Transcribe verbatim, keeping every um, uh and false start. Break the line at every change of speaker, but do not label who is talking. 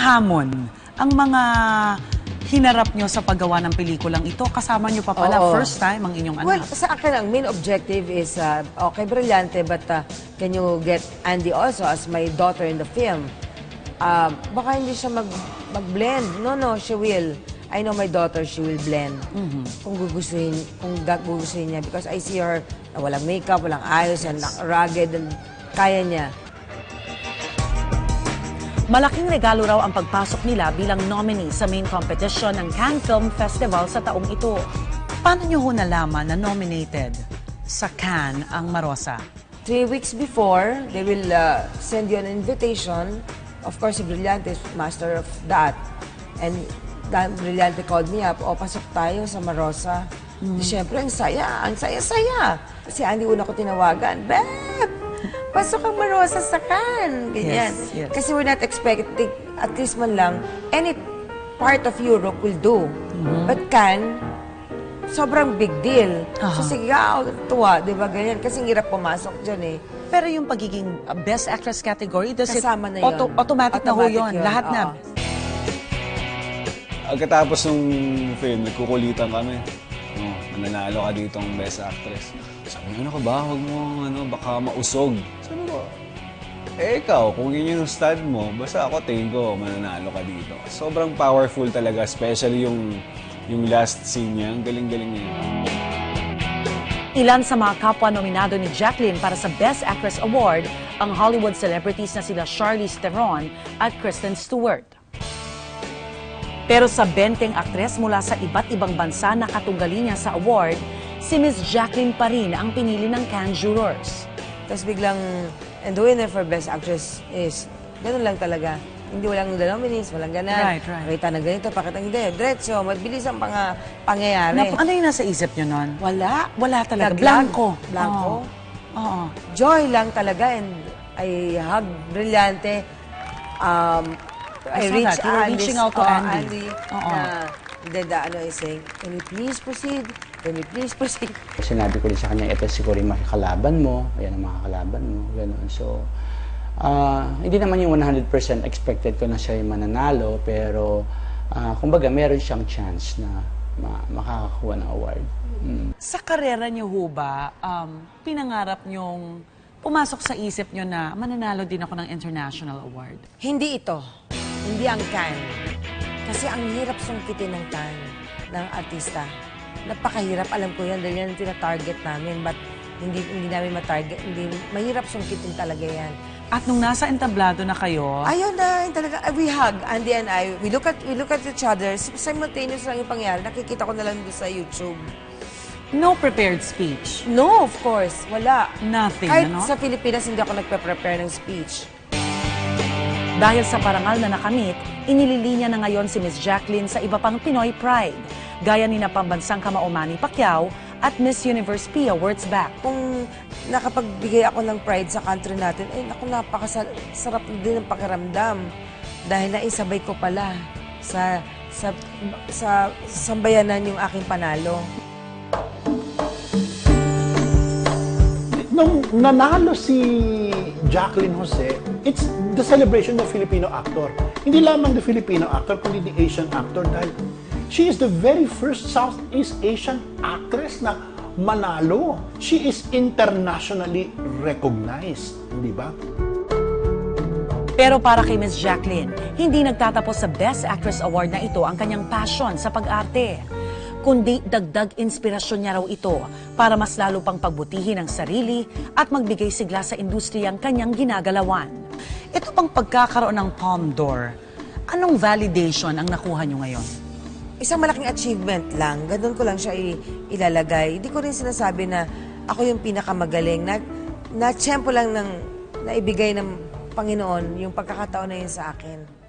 hamon ang mga hinarap nyo sa paggawa ng pelikulang ito? Kasama nyo pa pala,
Oo.
first time ang inyong anak.
Well, sa akin ang main objective is, uh, okay, Brillante, but uh, can you get Andy also as my daughter in the film? Uh, baka hindi siya mag, mag-blend. No, no, she will. I know my daughter, she will blend. Mm-hmm. Kung gugustuhin, kung gugustuhin niya. Because I see her na walang makeup, walang ayos, and rugged, and kaya niya.
Malaking regalo raw ang pagpasok nila bilang nominee sa main competition ng Cannes Film Festival sa taong ito.
Paano nyo ho nalaman na nominated sa Cannes ang Marosa?
Three weeks before, they will uh, send you an invitation. Of course, si Brillante is master of that. And that Brillante called me up, o pasok tayo sa Marosa. Mm. Siyempre, ang saya, ang saya-saya. Si Andy una ko tinawagan, Beb! Pasok ang Marosa sa Cannes. Ganyan.
Yes, yes.
Kasi we're not expecting, at least man lang, any part of Europe will do. Mm-hmm. But Cannes, sobrang big deal. Uh-huh. So sige, ah, tuwa, di ba ganyan? Kasi hirap pumasok dyan eh.
Pero yung pagiging uh, Best Actress category, does
kasama
it,
na yun.
auto, automatic, automatic na ho yun. yun. Lahat
uh-huh.
na.
Pagkatapos ng film, nagkukulitan kami. Oh, mananalo ka dito ang Best Actress. Sabi niya, ano ka ba? Huwag mo, ano, baka mausog. Sabi ko, eh ikaw, kung yun yung stud mo, basta ako tingin ko, mananalo ka dito. Sobrang powerful talaga, especially yung, yung last scene niya. Ang galing-galing niya.
Ilan sa mga kapwa nominado ni Jacqueline para sa Best Actress Award ang Hollywood celebrities na sila Charlize Theron at Kristen Stewart. Pero sa benteng aktres mula sa iba't ibang bansa na katunggali niya sa award, si Miss Jacqueline pa rin ang pinili ng Cannes jurors.
Tapos biglang, and the winner for Best Actress is, ganun lang talaga. Hindi walang nominees, walang ganan.
Right, right.
Pakita na ganito, pakita hindi. Diretso, mabilis ang pang, pangyayari.
Na, ano yung nasa isip nyo nun?
Wala.
Wala talaga.
Naglag.
Blanco.
Blanco.
Oo. Oo.
Joy lang talaga, and I hug Brillante. Um, I,
I saw
reach
that. You were
Andy,
reaching out to
oh,
Andy.
Andy
Oo.
na, then the, ano, is saying, can we please proceed? Can we please proceed?
Sinabi ko rin sa kanya, ito siguro yung makakalaban mo, ayan ang makakalaban mo, gano'n. So, uh, hindi naman yung one hundred percent expected ko na siya yung mananalo, pero, uh, kumbaga, meron siyang chance na ma makakakuha ng award. Mm.
Sa karera niyo ho ba, um, pinangarap niyong pumasok sa isip niyo na mananalo din ako ng international award?
Hindi ito. Hindi ang Cannes. Kasi ang hirap sungkitin ng Cannes ng artista. Napakahirap, alam ko yan, dahil yan ang tina-target namin. But hindi, hindi namin ma-target. Hindi, mahirap sungkitin talaga yan.
At nung nasa entablado na kayo,
Ayun na, yun talaga, we hug, Andy and I. We look at, we look at each other. Simultaneous lang yung pangyari. Nakikita ko na lang doon sa YouTube.
no prepared speech.
No, of course. Wala.
Nothing,
Kahit
ano?
sa Pilipinas, hindi ako nagpe-prepare ng speech.
Dahil sa parangal na nakamit, inililinya na ngayon si Miss Jacqueline sa iba pang Pinoy Pride, gaya ni na pambansang kamao Manny Pacquiao at Miss Universe Pia Wurtzbach.
Kung nakapagbigay ako ng pride sa country natin, eh naku, napakasarap din ang pakiramdam. Dahil naisabay ko pala sa, sa, sa sambayanan yung aking panalo.
Nung nanalo si Jacqueline Jose, it's the celebration of Filipino actor. Hindi lamang the Filipino actor, kundi the Asian actor dahil she is the very first Southeast Asian actress na manalo. She is internationally recognized, di ba?
Pero para kay Miss Jacqueline, hindi nagtatapos sa Best Actress Award na ito ang kanyang passion sa pag-arte, kundi dagdag inspirasyon niya raw ito para mas lalo pang pagbutihin ang sarili at magbigay sigla sa industriyang kanyang ginagalawan.
Ito pang pagkakaroon ng Palme d'Or, anong validation ang nakuha nyo ngayon?
Isang malaking achievement lang. Ganun ko lang siya ilalagay. Hindi ko rin sinasabi na ako yung pinakamagaling. Na, na tiyempo lang ng naibigay ng Panginoon yung pagkakataon na yun sa akin.